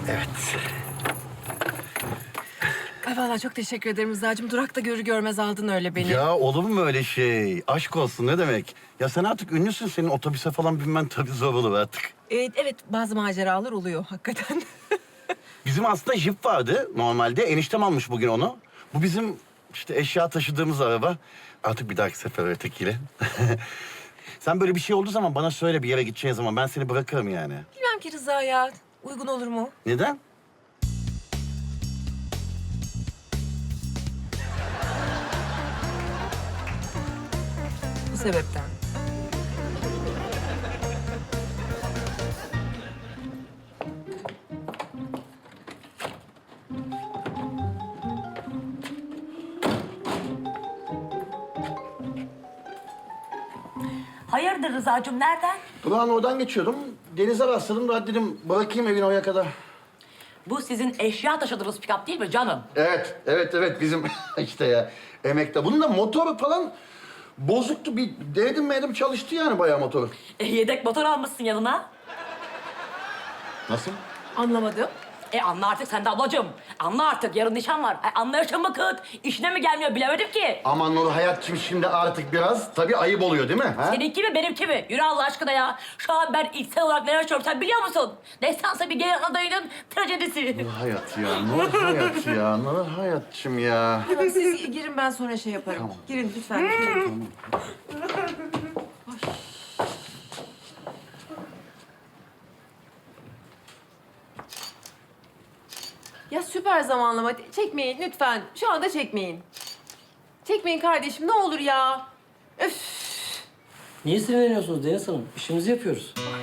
Evet. Ay vallahi çok teşekkür ederim Rıza'cığım. Durakta görür görmez aldın öyle beni. Ya olur mu öyle şey? Aşk olsun ne demek? Ya sen artık ünlüsün. Senin otobüse falan binmen tabii zor olur artık. Evet, bazı maceralar oluyor hakikaten. Bizim aslında jip vardı normalde. Eniştem almış bugün onu. Bu bizim işte eşya taşıdığımız araba. Artık bir dahaki sefer ötekiyle. Sen böyle bir şey olduğu zaman bana söyle, bir yere gideceğin zaman. Ben seni bırakırım yani. Bilmem ki Rıza ya. Uygun olur mu? Neden? Bu sebepten. Hayırdır Rıza'cığım, nereden? Ulan oradan geçiyordum. Denize rastladım da dedim bırakayım evin oraya kadar. Bu sizin eşya taşıdığınız pikap değil mi canım? Evet bizim işte ya emekte. Bunun da motoru falan bozuktu. Bir denedim çalıştı yani bayağı motoru. Yedek motor almışsın yanına. Nasıl? Anlamadım. Anla artık sen de ablacığım. Anla artık, yarın nişan var. Anlayışın mı kıt? İşine mi gelmiyor bilemedim ki. Aman Nur hayatçım şimdi artık biraz tabii ayıp oluyor değil mi? Ha? Seninki mi benimki mi? Yürü Allah aşkına ya. Şu an ben içsel olarak neler yaşıyorum sen biliyor musun? Destansa bir genel adayının trajedisi. Nur hayat ya, Nur hayat ya, Nur hayatçım ya. Tamam, siz girin, ben sonra şey yaparım. Tamam. Girin lütfen. Girin. Ya süper zamanlama. Çekmeyin lütfen. Şu anda çekmeyin. Çekmeyin kardeşim, ne olur ya. Öf. Niye sinirleniyorsunuz Deniz Hanım? İşimizi yapıyoruz.